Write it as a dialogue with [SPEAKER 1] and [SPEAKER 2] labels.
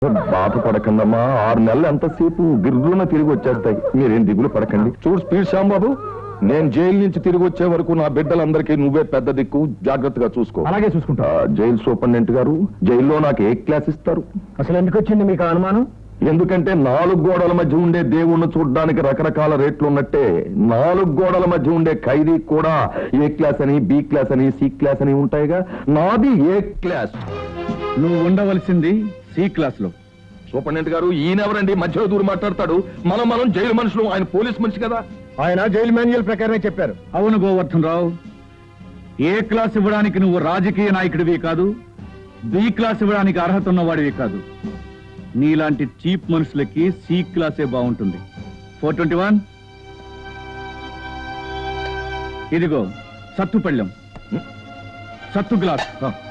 [SPEAKER 1] బాధపడకండమ్మా, 6 నెలలు ఎంతసేపు గిర్రున తిరిగి వచ్చేస్తాయి. మీరేం దిగులు పడకండి. చూడు స్పీడ్ శ్యాంబాబు, నేను జైలు నుంచి తిరిగి వచ్చే వరకు నా బిడ్డలందరికీ నువ్వే పెద్ద దిక్కు, జాగ్రత్తగా చూసుకో.
[SPEAKER 2] అలాగే చూసుకుంటా.
[SPEAKER 1] జైలు సూపరింటెండెంట్ గారు, జైల్లో నాకు ఏ క్లాస్ ఇస్తారు?
[SPEAKER 2] అసలు ఎందుకు వచ్చింది మీకు అనుమానం?
[SPEAKER 1] ఎందుకంటే 4 గోడల మధ్య ఉండే దేవుణ్ణి చూడడానికి రకరకాల రేట్లు ఉన్నట్టే 4 గోడల మధ్య ఉండే ఖైదీ కూడా ఏ క్లాస్ అని, బి క్లాస్ అని, సి క్లాస్ అని ఉంటాయిగా. నాది ఏ క్లాస్.
[SPEAKER 2] నువ్వు ఉండవలసింది సి క్లాస్ లో.
[SPEAKER 1] సూపరింటెండెంట్ గారు, ఈయనెవరండి మధ్యలో దూరం మాట్లాడతాడు? మనం జైలు మనుషులు, ఆయన పోలీస్ మనిషి కదా.
[SPEAKER 2] ఆయన జైలు మాన్యువల్ ప్రకారమే చెప్పారు. అవును గోవర్ధన్ రావు, ఏ క్లాస్ ఇవ్వడానికి నువ్వు రాజకీయ నాయకుడివి కాదు, బి క్లాస్ ఇవ్వడానికి అర్హత ఉన్నవాడివి కాదు. నీలాంటి చీప్ మనుషులకి సి క్లాసే బాగుంటుంది. 421 ఇదిగో సత్తు పళ్ళెం, సత్తు గ్లాస్.